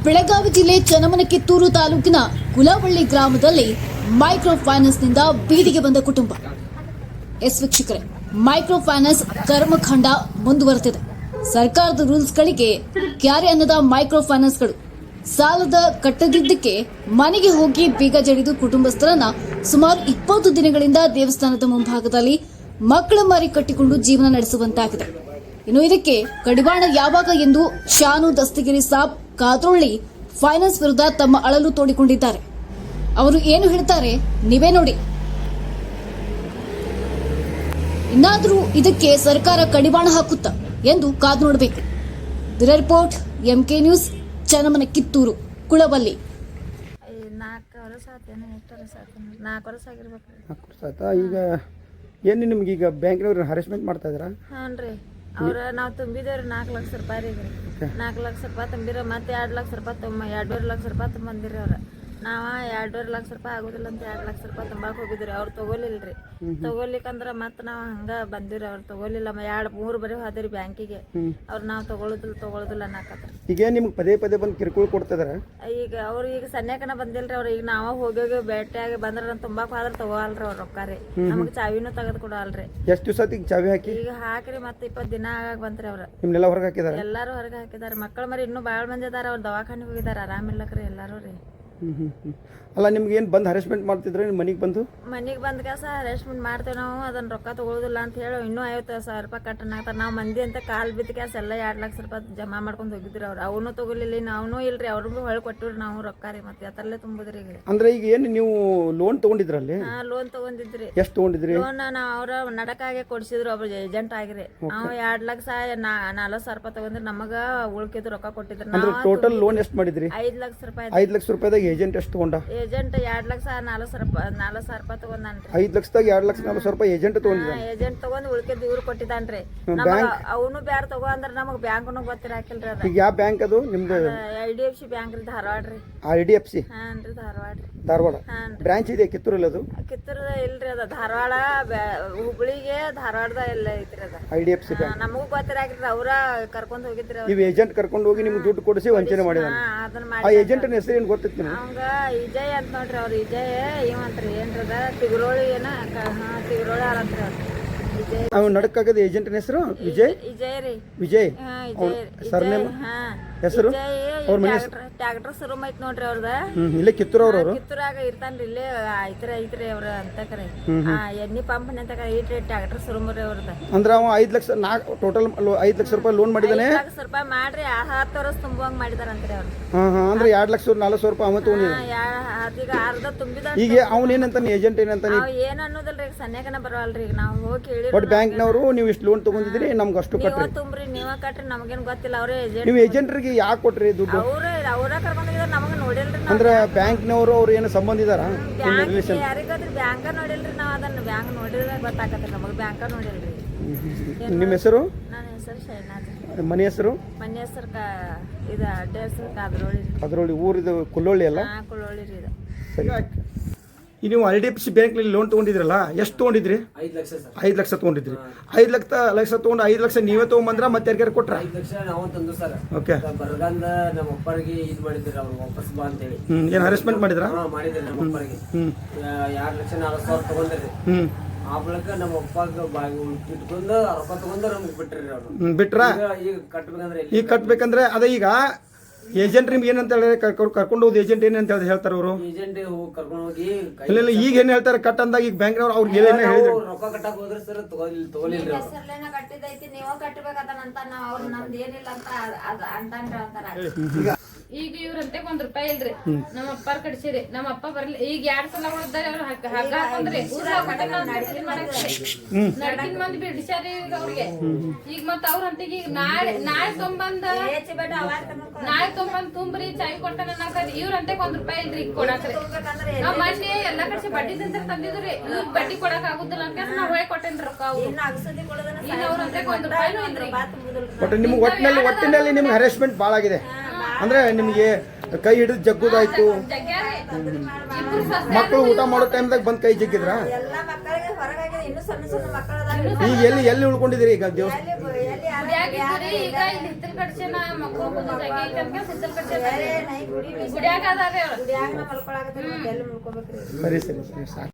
ಬೆಳಗಾವಿ ಜಿಲ್ಲೆ ಚನ್ನಮನಕಿತ್ತೂರು ತಾಲೂಕಿನ ಕುಲವಳ್ಳಿ ಗ್ರಾಮದಲ್ಲಿ ಮೈಕ್ರೋ ಫೈನಾನ್ಸ್ನಿಂದ ಬೀದಿಗೆ ಬಂದ ಕುಟುಂಬ. ಎಸ್ ವೀಕ್ಷಕರೇ, ಮೈಕ್ರೋ ಫೈನಾನ್ಸ್ ಕರ್ಮಕಾಂಡ ಮುಂದುವರೆದಿದೆ. ಸರ್ಕಾರದ ರೂಲ್ಸ್ಗಳಿಗೆ ಕ್ಯಾರೆ ಅನ್ನದ ಮೈಕ್ರೋ ಫೈನಾನ್ಸ್ಗಳು ಸಾಲದ ಕಟ್ಟದಿದ್ದಕ್ಕೆ ಮನೆಗೆ ಹೋಗಿ ಬೀಗ ಜಡಿದು ಕುಟುಂಬಸ್ಥರನ್ನ ಸುಮಾರು 20 ದಿನಗಳಿಂದ ದೇವಸ್ಥಾನದ ಮುಂಭಾಗದಲ್ಲಿ ಮಕ್ಕಳ ಮಾರಿ ಕಟ್ಟಿಕೊಂಡು ಜೀವನ ನಡೆಸುವಂತಾಗಿದೆ. ಇನ್ನು ಇದಕ್ಕೆ ಕಡಿವಾಣ ಯಾವಾಗ ಎಂದು ಶಾನು ದಸ್ತಗಿರಿ ಸಾಬ್ ಕಾದ್ರೊಳ್ಳಿ ಫೈನಾನ್ಸ್ ವಿರುದ್ಧ ತಮ್ಮ ಅಳಲು ತೋಡಿಕೊಂಡಿದ್ದಾರೆ. ಅವರು ಏನು ಹೇಳ್ತಾರೆ ನೀವೇ ನೋಡಿ. ಇನ್ನಾದರೂ ಇದಕ್ಕೆ ಸರ್ಕಾರ ಕಡಿವಾಣ ಹಾಕುತ್ತಾ ಎಂದು ಕಾದು ನೋಡಬೇಕು. Bureau report, MK news, Channammanakittur, Kulavalli. 4 ವರ್ಷ ಆಗಿರ್ಬೇಕು. 4 ವರ್ಷ ಆಯ್ತಾ? ಈಗ ಏನು ನಿಮ್ಗೆ ಈಗ ಬ್ಯಾಂಕ್ನವ್ರು ಹರಾಸ್ಮೆಂಟ್ ಮಾಡ್ತಾ ಇದ್ದೀರಾ? ಹಾಂ ರೀ, ಅವ್ರ ನಾವು ತುಂಬಿದೇವ್ರಿ 4 ಲಕ್ಷ ರೂಪಾಯಿ ರೀ. 4 ಲಕ್ಷ ರೂಪಾಯಿ ತುಂಬಿರ ಮತ್ತೆ 2 ಲಕ್ಷ ರೂಪಾಯಿ 2.5 ಲಕ್ಷ ರೂಪಾಯಿ ತುಂಬಂದಿರಿ ಅವ್ರ. ನಾವು 2.5 ಲಕ್ಷ ರೂಪಾಯಿ ಆಗೋದಿಲ್ಲ ಅಂತ 2 ಲಕ್ಷ ರೂಪಾಯಿ ತುಂಬಾಕ್ ಹೋಗಿದ್ರಿ. ಅವ್ರು ತಗೋಲಿಲ್ರಿ. ತಗೋಲಿಕ್ಕಂದ್ರ ಮತ್ತೆ ನಾವು ಹಂಗ ಬಂದಿರಿ. ಅವ್ರು ತಗೋಲಿಲ್ಲ. 2-3 ಬರೀ ಹೋದ್ರಿ ಬ್ಯಾಂಕಿಗೆ. ಅವ್ರು ನಾವು ತಗೊಳುದಿಲ್ಲ ಅನ್ನಕತ್ರಿ. ಈಗ ನಿಮ್ಗೆ ಪದೇ ಪದೇ ಬಂದು ಕಿರುಕುಳ ಕೊಡ್ತಿದಾರ? ಈಗ ಅವ್ರು ಈಗ ಸನ್ಯಾಕನ ಬಂದಿಲ್ರಿ. ಅವ್ರು ಈಗ ನಾವ ಹೋಗಿ ಭೇಟಿಯಾಗಿ ಬಂದ್ರ ತುಂಬಾಕ್ ಹೋದ್ರ ತಗೋಲ್ರಿ ಅವ್ರ ರೊಕ್ಕ ರೀ. ನಮಗ್ ಚಾವಿನೂ ತೆಗೆದು ಕೊಡಲ್ರಿ. ಎಷ್ಟು ದಿವಸ ಈಗ ಚಾವಿ ಹಾಕಿ? ಈಗ ಹಾಕ್ರಿ ಮತ್ತೆ 20 ದಿನ ಆಗಾಗ ಬಂತ್ರಿ. ಅವ್ರ ನಿಮ್ನೆಲ್ಲ ಹೊರಗೆ ಹಾಕಿದಾರ? ಎಲ್ಲಾರು ಹೊರಗೆ ಹಾಕಿದಾರೆ. ಮಕ್ಕಳ ಮರಿ ಇನ್ನೂ ಬಾಳ್ ಮಂದಿ ಅದಾರ. ಅವ್ರ ದವಾಖಾನಿಗೆ ಹೋಗಿದಾರ, ಆರಾಮಿಲ್ಲಕ್ರಿ ಎಲ್ಲಾರು ರೀ. ಅಲ್ಲ, ನಿಮ್ಗೆ ಏನು ಬಂದು ಹರಾಸ್ಮೆಂಟ್ ಮಾಡ್ತಿದ್ರೆ ಮನೆಗೆ ಬಂದು ಬಂದ ಕೆಲಸ ಹರಾಸ್ಮೆಂಟ್ ಮಾಡ್ತೇವೆ ನಾವು. ಅದನ್ನ ರೊಕ್ಕ ತಗೊಳುದಿಲ್ಲ ಅಂತ ಹೇಳಿ ಇನ್ನೂ 50,000 ರೂಪಾಯಿ ಕಟ್ಟನಾಗ್ತಾರೆ. ನಾವು ಮಂದಿ ಅಂತ ಕಾಲ್ ಬಿದ್ದ ಕೆಲಸ ಎಲ್ಲ 2 ಲಕ್ಷ ರೂಪಾಯಿ ಜಮಾ ಮಾಡ್ಕೊಂಡು ಹೋಗಿದ್ರಿ. ಅವ್ರು ಅವನು ತಗೊಲಿಲ್ಲ, ನಾವೂ ಇಲ್ರಿ. ಅವ್ರಿಗೂ ಹೊಳ್ ಕೊಟ್ಟಿವ್ರಿ ನಾವು ರೊಕ್ಕ ರೀ. ಮತ್ತೆ ಅದರಲ್ಲೇ ತುಂಬುದ್ರಿ. ಈಗ ಅಂದ್ರೆ ಈಗ ಏನು ನೀವು ಲೋನ್ ತಗೊಂಡಿದ್ರಲ್ಲಿ? ಲೋನ್ ತಗೊಂಡಿದ್ರಿ. ಎಷ್ಟು ತಗೊಂಡಿದ್ರಿ ಲೋನ್? ನಾವು ಅವ್ರ ನಡಕಾಗೆ ಕೊಡ್ಸಿದ್ರು. ಒಬ್ರು ಏಜೆಂಟ್ ಆಗಿರಿ. ನಾವು 2 ಲಕ್ಷ 40,000 ರೂಪಾಯಿ ತಗೊಂಡ್ರಿ. ನಮಗ ಉಳ್ಕಿದ್ ರೊಕ್ಕ ಕೊಟ್ಟಿದ್ರಿ. ಟೋಟಲ್ ಲೋನ್ ಎಷ್ಟು ಮಾಡಿದ್ರಿ? 5 ಲಕ್ಷ ರೂಪಾಯಿ. 5 ಲಕ್ಷ ರೂಪಾಯಿದಾಗ ಏಜೆಂಟ್ ಎಷ್ಟು ತಗೊಂಡ? ಏಜೆಂಟ್ 2 ಲಕ್ಷ 40,000 ರೂಪಾಯಿ ತಗೊಂಡ್ರಿ. 5 ಲಕ್ಷದಾಗ 2 ಲಕ್ಷ 40,000 ರೂಪಾಯಿ ಏಜೆಂಟ್ ತಗೊಂಡಿದ್ದ. ಏಜೆಂಟ್ ತಗೊಂಡ್ ಉಳ್ಕಿದ್ ಇವ್ರು ಕೊಟ್ಟಿದ್ದಾನ್ರಿ. ಅವನು ಬ್ಯಾರ ತಗೋ ಅಂದ್ರ ನಮಗ್ ಬ್ಯಾಂಕ್ನು ಗೊತ್ತಿರಾಕಿಲ್ರಿ. ಅದ ಈಗ ಯಾವ ಬ್ಯಾಂಕ್ ಅದು ನಿಮ್ದು? IDFC ಬ್ಯಾಂಕ್ ರೀ, ಧಾರವಾಡ ರೀ. IDFC? ಹಾನ್ ರೀ, ಧಾರವಾಡ ರೀ. ಧಾರವಾಡ ಬ್ರಾಂಚ್ ಇದೆ ಕಿತ್ತೂರಲ್ಲಿ? ಅದು ಕಿತ್ತೂರದ ಇಲ್ರಿ. ಅದ ಧಾರವಾಡ, ಹುಬ್ಳಿಗೆ, ಧಾರವಾಡದ ಎಲ್ಲ ಐತ್ರಿ. ಅದ IDFC ಬ್ಯಾಂಕ್. ನಮಗೂ ಗೊತ್ತಿರಾಕಿಲ್ರಿ. ಅವ್ರ ಕರ್ಕೊಂಡ್ ಹೋಗಿದ್ರಿ. ನೀವು ಏಜೆಂಟ್ ಕರ್ಕೊಂಡು ಹೋಗಿ ನಿಮ್ಗೆ ದುಡ್ಡು ಕೊಡಿಸಿ ವಂಚನೆ ಮಾಡಿದ. ಅದನ್ನ ಆ ಮಾಡಿ ಏಜೆಂಟ್ ಹೆಸರು ಏನು ಗೊತ್ತಿತ್ತು ನಿಮ್ಗೆ? ಅವಂಗ ವಿಜಯ್ ಅಂತ ನೋಡ್ರಿ. ಅವ್ರ ವಿಜಯ್ ಇವಂತ್ರಿ ಏನ್ರದ ತಿಗುರೋಳಿ ಏನ ತಿಗುರೋಳಿ ಆರಂತ್ರಿ. ಅವ್ರ ವಿಜಯ್. ಅವ್ನು ನಡಕಾಗದ ಏಜೆಂಟ್ನ ಹೆಸರು ವಿಜಯ್? ವಿಜಯ್ ರೀ. ವಿಜಯ್ ಸರ್ನೇಮ್ ಹೆಸರು? ಅವ್ರ ಮನೆ ಟ್ಯಾಕ್ಟರ್ ಶೋರೂಮ್ ಐತ್ ನೋಡ್ರಿ ಅವ್ರದ. ಇಲ್ಲೇ ಕಿತ್ತೂರು ಅವ್ರವ್ರು? ಕಿತ್ತೂರಾಗ ಇರ್ತಾನ್ರಿ. ಇಲ್ಲೇ ಐತ್ರಿ ಅವ್ರ ಅಂತ ಕರೆ. ಎಣ್ಣಿ ಪಂಪ್ ಅಂತ ಐತ್ರಿ ಟ್ಯಾಕ್ಟರ್ ಶೋರೂಮ್ ರೀ ಅವ್ರದ. ಅಂದ್ರೆ ಅವ 5 ಲಕ್ಷ ಟೋಟಲ್ 5 ಲಕ್ಷ ರೂಪಾಯಿ ಲೋನ್ ಮಾಡಿದಾನೆ. 5 ಲಕ್ಷ ರೂಪಾಯಿ ಮಾಡ್ರಿ 10 ವರ್ಷ ತುಂಬುವಂಗ್ ಮಾಡಿದಾರಂತ್ರಿ ಅವ್ರು. ಅಂದ್ರೆ 2 ಲಕ್ಷ 40,000 ರೂಪಾಯಿ ಅವ ತಗೊಂಡಿದ್ದಾನೆ. ಈಗ ಅರ್ಧ ತುಂಬಿದ. ಈಗ ಅವನೇನಂತಾನೆ ಏಜೆಂಟ್ ಏನಂತಾನೆ? ಏನ್ ಅನ್ನೋದಲ್ರಿ. ಈಗ ಸನ್ಯಾಕನ ಬರವಲ್ರಿ. ಈಗ ನಾವು ಹೋಗಿ ಹೇಳಿ ಬಟ್ ಬ್ಯಾಂಕ್ನವರು ನೀವು ಇಷ್ಟು ಲೋನ್ ತಗೊಂಡಿದ್ರಿ, ನಮ್ಗೆ ಅಷ್ಟು ಕಟ್ರಿ. ತುಂಬ್ರಿ, ನೀವ ಕಟ್ರಿ, ನಮಗೇನ್ ಗೊತ್ತಿಲ್ಲ. ಅವ್ರೇ ಏಜೆಂಟ್. ನೀವು ಏಜೆಂಟ್ರಿಗೆ ಯಾಕೆ ಕೊಟ್ರಿ ದುಡ್ಡು? ಅವ್ರ ಕರ್ಕೊಂಡಿದಾರ, ನಮಗ ನೋಡಿಲ್ರಿ. ಅಂದ್ರೆ ಬ್ಯಾಂಕ್ನವರು ಅವ್ರು ಏನು ಸಂಬಂಧ ಇದಾರ? ಯಾರಿಗ ಗೊತ್ತ್ರಿ? ಬ್ಯಾಂಕ ನೋಡಿಲ್ರಿ. ನಾವ್ ಅದನ್ನ ಬ್ಯಾಂಕ್ ನೋಡಿದ್ರೆ ಗೊತ್ತಾಗತ್ರಿ ನಮಗ್. ಬ್ಯಾಂಕ ನೋಡಿಲ್ರಿ. ನಿಮ್ಮ ಹೆಸರು? ನನ್ನ ಹೆಸರು ಶೈನಾಜ್. ಮನೆ ಹೆಸರು? ಮನೆ ಹೆಸರು ಇದು ಅಡ್ಡ ಹೆಸರು ಕಾದ್ರೋಳಿ. ಕಾದ್ರೋಳಿ ಊರಿದು ಕುಲ್ಲೋಳಿ ಅಲ್ಲ? ಕುಳ್ಳೋಳಿ ರೀ ಇದು. ಸರಿ. ಈಗ ನೀವು IDFC ಬ್ಯಾಂಕ್ನಲ್ಲಿ ಲೋನ್ ತೊಗೊಂಡಿದ್ರಲ್ಲ, ಎಷ್ಟು ತೊಗೊಂಡಿದ್ರಿ? 5 ಲಕ್ಷ ಸರ್. 5 ಲಕ್ಷ ತೊಗೊಂಡಿದ್ರಿ. 5 ಲಕ್ಷ ತೊಗೊಂಡು 5 ಲಕ್ಷ ನೀವೇ ತೊಗೊಂಬಂದ್ರ ಮತ್ತೆ ಯಾರಿಗಾರು ಕೊಟ್ರ? 5 ಲಕ್ಷ ನಾವು ತಂದು ಸರ್. ಓಕೆ. ಬರಗಂದ ನಮ್ಮ ಅಪ್ಪರಿಗೆ ಇದು ಮಾಡಿದ್ರು. ಅವ್ರು ವಾಪಸ್ ಬಾ ಅಂತ ಹೇಳಿ ಏನು ಹರಾಸ್ಮೆಂಟ್ ಮಾಡಿದ್ರ? ಮಾಡಿದ್ರಿ ನಮ್ಮ ಅಪ್ಪರಿಗೆ. 2 ಲಕ್ಷ 40,000 ತಗೊಂಡ್ರಿ. ಆ ಬಳಿಕ ನಮ್ಮ ಅಪ್ಪಾಗ ಬಾಗಿ ಇಟ್ಕೊಂಡು ರೊಕ್ಕ ತಗೊಂಡು ನಮ್ಗೆ ಬಿಟ್ರಿ ಅವ್ರು. ಬಿಟ್ರ? ಈಗ ಕಟ್ಬೇಕಂದ್ರೆ ಈಗ ಕಟ್ಬೇಕಂದ್ರೆ ಅದೇ ಈಗ ಏಜೆಂಟ್ ನಿಮ್ಗೆ ಏನಂತ ಹೇಳಿದ್ರೆ ಕರ್ಕೊಂಡು ಹೋದ್ ಏಜೆಂಟ್ ಏನಂತ ಹೇಳ್ತಾರೆ ಅವರು? ಏಜೆಂಟ್ ಕರ್ಕೊಂಡು ಹೋಗಿ ಇಲ್ಲ ಈಗ ಏನ್ ಹೇಳ್ತಾರೆ ಕಟ್ ಅಂದಾಗ ಈಗ ಬ್ಯಾಂಕ್ನವ್ರು ಅವ್ರಿಗೆ ಏನೇನು ಹೇಳಿದ್ರು? ರೊಕ್ಕ ಕಟ್ಟಕ್ ಹೋದ್ರೆ ಸರ್ ತಗೊಲಿಲ್ರಿ. ಹೆಸರ್ಲೇನ ಕಟ್ಟಿದೈತಿ, ನೀವ ಕಟ್ಟಬೇಕಂತ ನಾವ್ ಅವ್ರು ನಮ್ದು ಏನಿಲ್ಲ ಅಂತ ಅಂತಾನ್ರಿ ಅಂತಾರ. ಈಗ ಇವ್ರಂತೆ 1 ರೂಪಾಯಿ ಇಲ್ರಿ. ನಮ್ಮ ಅಪ್ಪಾರ ಕಡಿಸಿರಿ. ನಮ್ಮ ಅಪ್ಪ ಬರ್ಲಿ. ಈಗ 2 ಸಲ ಉಳಿದಾರೆ. ಅವ್ರು ಹಗ್ಗ ಹಾಕೊಂಡ್ರಿ. ನಡ್ಕಿನ್ ಮಂದಿ ಬಿಡಿಸ್ಯಾರಿ ಈಗ ಅವ್ರಿಗೆ. ಈಗ ಮತ್ತ ಅವ್ರ ಅಂತಿಗೆ ಈಗ ನಾಳೆ ತೊಂಬಂದ್ ತುಂಬ್ರಿ ಚಾಯ್ ಕೊಟ್ಟ ಇವ್ರಂತೆ 1 ರೂಪಾಯಿ ಇಲ್ರಿ ಕೊಡಾಕ್ರಿ. ನಾವ್ ಮೊನ್ನೆ ಎಲ್ಲಾ ಕಡೆ ಬಡ್ಡಿ ತಂದಿದ್ರಿ. ಇವ್ರ ಬಡ್ಡಿ ಕೊಡಕ್ ಆಗುದಿಲ್ಲ ಅಂತ ನಾವ್ ಹೊಳೆ ಕೊಟ್ಟೇನ್ರಿ ರೊಕ್ಕ. ಅವ್ರಂತೆ 1 ರೂಪಾಯಿನೂ ಇಲ್ರಿ. ಬಟ್ ನಿಮ್ಗೆ ಒಟ್ಟಿನಲ್ಲಿ ನಿಮ್ಗೆ ಹರಾಸ್ಮೆಂಟ್ ಭಾಳ ಆಗಿದೆ. ಅಂದ್ರೆ ನಿಮ್ಗೆ ಕೈ ಹಿಡಿದು ಜಗ್ಗುದಾಯ್ತು, ಮಕ್ಕಳು ಊಟ ಮಾಡೋ ಟೈಮ್ದಾಗ ಬಂದು ಕೈ ಜಗ್ಗಿದ್ರ? ಎಲ್ಲ ಮಕ್ಕಳಿಗೆ ಹೊರಗಾಗಿದೆ, ಇನ್ನೂ ಸಣ್ಣ ಸಣ್ಣ ಮಕ್ಕಳ ಅದಾವ. ಈಗ ಎಲ್ಲಿ ಉಳ್ಕೊಂಡಿದ್ದೀರಿ ಈಗ ದೇವಸ್ಥಾನ? ಈಗ ಇಲ್ಲಿ ಹಿತ್ತಲ್ ಕಡ್ಸೇನ ಮಕ್ಕಳು ಜಾಗ ಐತೆ ಅಂತ ಹಿತ್ತಲ್ ಕಡ್ಸೇನ ಗುಡಿಯಾಗ ಅದಾರೆ. ಗುಡಿಯಾಗ ಮಲ್ಕೊಳಕತ್ತಾರೆ, ಎಲ್ಲಿ ಮಲ್ಕೋಬೇಕ್ರಿ? ಸರಿ ಸಾಕು.